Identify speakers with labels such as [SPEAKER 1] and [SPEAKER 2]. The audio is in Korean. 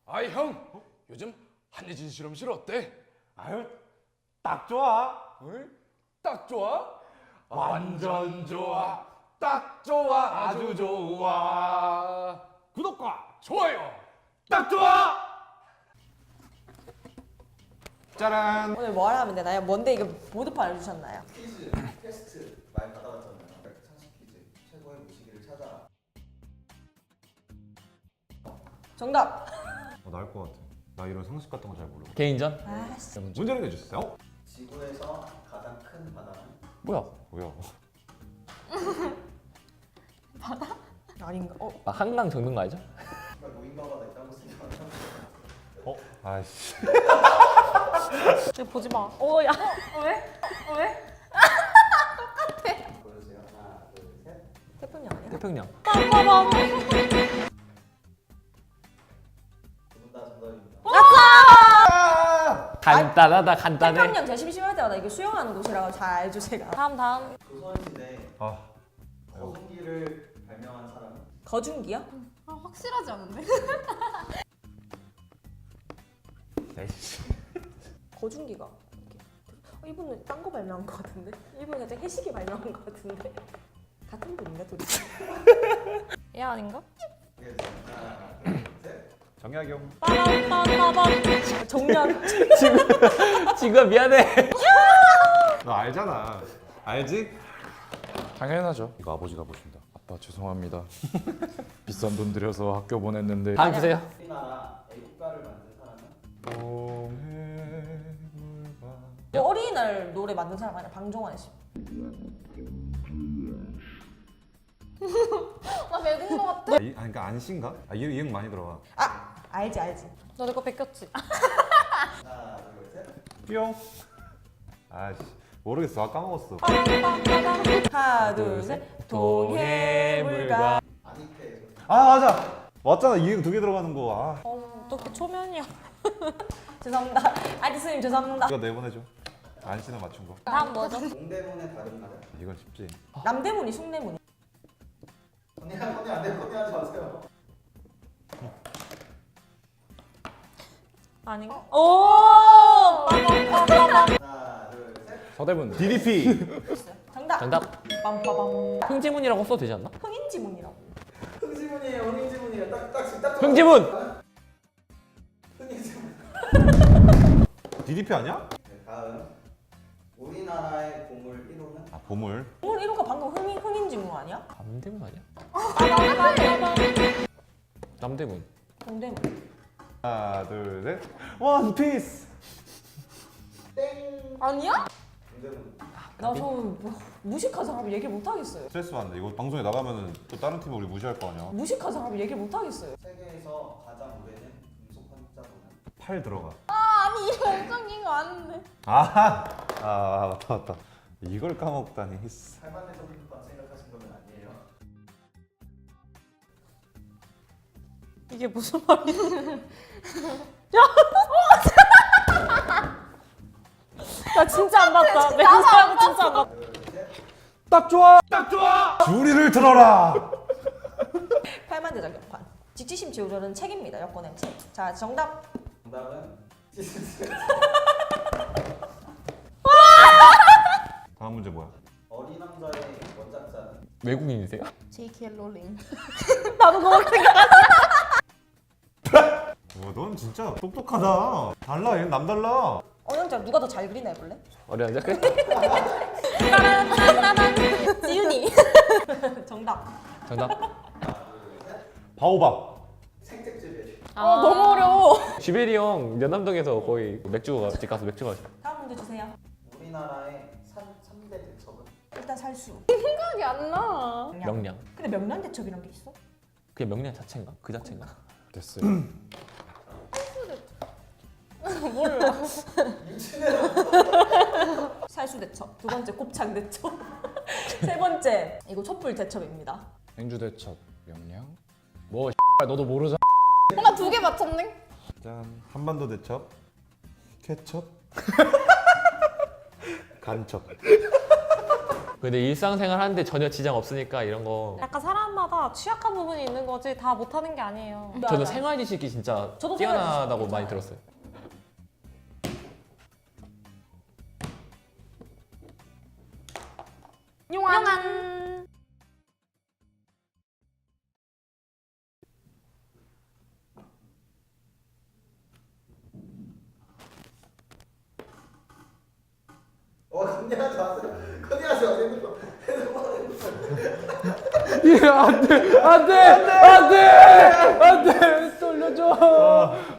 [SPEAKER 1] 아이 형, 요즘 한예진 실험실 어때?
[SPEAKER 2] 아유, 딱 좋아.
[SPEAKER 1] 응? 딱 좋아? 완전 좋아. 딱 좋아. 아주 좋아.
[SPEAKER 2] 구독과
[SPEAKER 1] 좋아요.
[SPEAKER 2] 딱 좋아. 짜란.
[SPEAKER 3] 오늘 뭘 하면 되나요? 뭔데 이게 모드판 알려주셨나요?
[SPEAKER 4] 퀴즈, 퀘스트 많이 받아봤잖아요. 상식 퀴즈, 최고의 무시기를 찾아라.
[SPEAKER 3] 정답!
[SPEAKER 2] 나을 것 같아. 나 이런 상식 같은 거 잘 모르고.
[SPEAKER 5] 개인전?
[SPEAKER 3] 아씨
[SPEAKER 2] 문제를 내주세요.
[SPEAKER 4] 지구에서 가장 큰 바다는?
[SPEAKER 5] 뭐야?
[SPEAKER 2] 뭐야?
[SPEAKER 3] 아닌가?
[SPEAKER 5] 한강 적는 거 알죠?
[SPEAKER 4] 정말 노인과 바다 있다고 생각하면
[SPEAKER 2] 아이씨.
[SPEAKER 6] 이거 보지 마. 어, 야. 왜? 왜?
[SPEAKER 4] 보여주세요. 하나, 둘, 셋.
[SPEAKER 3] 태풍이 아니야?
[SPEAKER 5] 태평양.
[SPEAKER 6] 빠바밤.
[SPEAKER 4] 두 분 다 정답입니다.
[SPEAKER 5] 간단하다 간단해.
[SPEAKER 3] 태평양 제 심심할 때마다 이게 수영하는 곳이라고 잘 알죠 제가.
[SPEAKER 6] 다음.
[SPEAKER 4] 조선시대
[SPEAKER 2] 아,
[SPEAKER 4] 거성기를 발명한 사람은?
[SPEAKER 3] 거중기요?
[SPEAKER 6] 아, 확실하지 않은데?
[SPEAKER 5] 에이씨.
[SPEAKER 3] 거중기가 이렇게. 이분은 딴 거 발명한 것 같은데? 이분은 살짝 해시기 발명한 것 같은데? 같은 분인가 둘이?
[SPEAKER 6] 얘 아닌가?
[SPEAKER 4] 하나, 둘, 셋.
[SPEAKER 2] 정약용.
[SPEAKER 6] 빠밤빠밤.
[SPEAKER 3] 정량
[SPEAKER 5] 지금 미안해.
[SPEAKER 2] 너 알잖아. 알지?
[SPEAKER 1] 당연하죠.
[SPEAKER 2] 이거 아버지가 보신다.
[SPEAKER 1] 아빠 죄송합니다. 비싼 돈 들여서 학교 보냈는데.
[SPEAKER 5] 다음 주세요.
[SPEAKER 4] 우리나라 애국가를 만든 사람은?
[SPEAKER 3] 어린이날 노래 만든 사람 아니야? 방종환 씨.
[SPEAKER 6] 나 외국인 거 같아.
[SPEAKER 2] 그러니까 안신가? 이응 많이 들어가.
[SPEAKER 3] 아! 알지.
[SPEAKER 6] 너 내 거 베꼈지?
[SPEAKER 4] 하나, 둘, 셋.
[SPEAKER 2] 뿅. 아이씨, 모르겠어. 까먹었어.
[SPEAKER 3] 하나 둘 셋. 동해물과
[SPEAKER 4] 아니페.
[SPEAKER 2] 아 맞아. 맞잖아. 이응 두 개 들어가는 거. 아,
[SPEAKER 6] 어떻게 초면이야?
[SPEAKER 3] 죄송합니다. 아지스님 죄송합니다.
[SPEAKER 2] 이거 내보내줘. 안신을 맞춘 거.
[SPEAKER 6] 다음 뭐죠?
[SPEAKER 4] 동대문의 다른 말은?
[SPEAKER 2] 이건 쉽지.
[SPEAKER 3] 남대문이 숭례문이.
[SPEAKER 4] 언니 안 돼. 언니 하지 마세요.
[SPEAKER 6] 아닌가? 오! 빠밤빠밤.
[SPEAKER 4] 하나, 둘, 셋.
[SPEAKER 1] 서대문.
[SPEAKER 2] DDP.
[SPEAKER 3] 정답.
[SPEAKER 5] 정답.
[SPEAKER 3] 빰빠밤.
[SPEAKER 5] 흥지문이라고 써도 되지 않나?
[SPEAKER 3] 흥인지문이라고.
[SPEAKER 4] 흥지문이에요. 흥지문이에요. 딱.
[SPEAKER 5] 흥지문.
[SPEAKER 4] 흥지문.
[SPEAKER 2] DDP 아니야?
[SPEAKER 4] 네, 다음. 우리나라의 보물 1호는?
[SPEAKER 2] 아 보물.
[SPEAKER 3] 오늘 이루가 방금 흥인지문 아니야?
[SPEAKER 5] 남대문 아니야?
[SPEAKER 6] 빠밤빠밤.
[SPEAKER 5] 남대문.
[SPEAKER 3] 동대문.
[SPEAKER 2] 하나 둘 셋. 원피스.
[SPEAKER 4] 땡.
[SPEAKER 6] 아니야?
[SPEAKER 4] 동대문.
[SPEAKER 3] 나저 무식한 사람 얘기를 못 하겠어요.
[SPEAKER 2] 스트레스 받는데 이거 방송에 나가면은 또 다른 팀은 우리 무시할 거 아니야.
[SPEAKER 3] 무식한 사람 얘기를 못 하겠어요.
[SPEAKER 4] 세계에서 가장 오래된 금속 환자분은?
[SPEAKER 2] 팔 들어가.
[SPEAKER 6] 아니, 이거 엄청 긴거 아는데.
[SPEAKER 2] 아하. 아 맞다. 이걸 까먹다니. 히스.
[SPEAKER 4] 살만해 적인것 생각하신 거는 아니에요.
[SPEAKER 6] 이게 무슨 말이야? 나 진짜 안 봤다. 멘트하고 진짜 안 봤다.
[SPEAKER 4] 둘, 셋.
[SPEAKER 2] 딱 좋아. 딱 좋아. 주리를 들어라.
[SPEAKER 3] 팔만대장 역판. 직지심 지우려는 책입니다. 여권의 책. 자 정답.
[SPEAKER 4] 정답은
[SPEAKER 2] 다음 문제 뭐야?
[SPEAKER 4] 어린 왕자의 원작자는?
[SPEAKER 5] 외국인이세요?
[SPEAKER 6] J.K. 롤링.
[SPEAKER 3] 나도 그거 생각.
[SPEAKER 2] 넌 진짜 똑똑하다. 달라. 얘는 남달라.
[SPEAKER 3] 어영자 누가 더 잘 그리나 해볼래?
[SPEAKER 5] 어려운 작가?
[SPEAKER 3] 지윤이. 정답.
[SPEAKER 5] 정답.
[SPEAKER 2] 바오밥.
[SPEAKER 4] 생택집에.
[SPEAKER 6] 너무 어려워.
[SPEAKER 5] 쥐베리 형 연남동에서 거의 집 가서 맥주 마셔.
[SPEAKER 3] 다음 문제 주세요.
[SPEAKER 4] 우리나라의 3대 대첩은?
[SPEAKER 3] 일단 살수.
[SPEAKER 6] 생각이 안 나.
[SPEAKER 5] 명량.
[SPEAKER 3] 근데 명란대첩이란 게 있어?
[SPEAKER 5] 그게 명량 자체인가? 그 자체인가?
[SPEAKER 1] 됐어요.
[SPEAKER 6] 몰라.
[SPEAKER 3] 살수대첩. 두 번째 곱창대첩. 세 번째 이거 촛불대첩입니다.
[SPEAKER 1] 행주대첩 명량. 뭐 너도 모르잖아.
[SPEAKER 6] 나 2개 맞췄네.
[SPEAKER 2] 짠. 한반도 대첩. 케첩. 간첩.
[SPEAKER 5] 근데 일상생활 하는데 전혀 지장 없으니까 이런 거
[SPEAKER 6] 약간 사람마다 사람마다 취약한 부분이 있는 거지 다 못하는 게 아니에요.
[SPEAKER 5] 저는 생활 지식이 진짜
[SPEAKER 3] 저도
[SPEAKER 5] 뛰어나다고
[SPEAKER 3] 생활 지식
[SPEAKER 5] 많이
[SPEAKER 3] 괜찮아요.
[SPEAKER 5] 들었어요.
[SPEAKER 6] 용안.
[SPEAKER 4] 건네하지 마세요. 건네하지 마세요. 핸드폰.
[SPEAKER 1] 예, 안 돼, 안 돼, 안 돼, 안 돼, 돌려줘.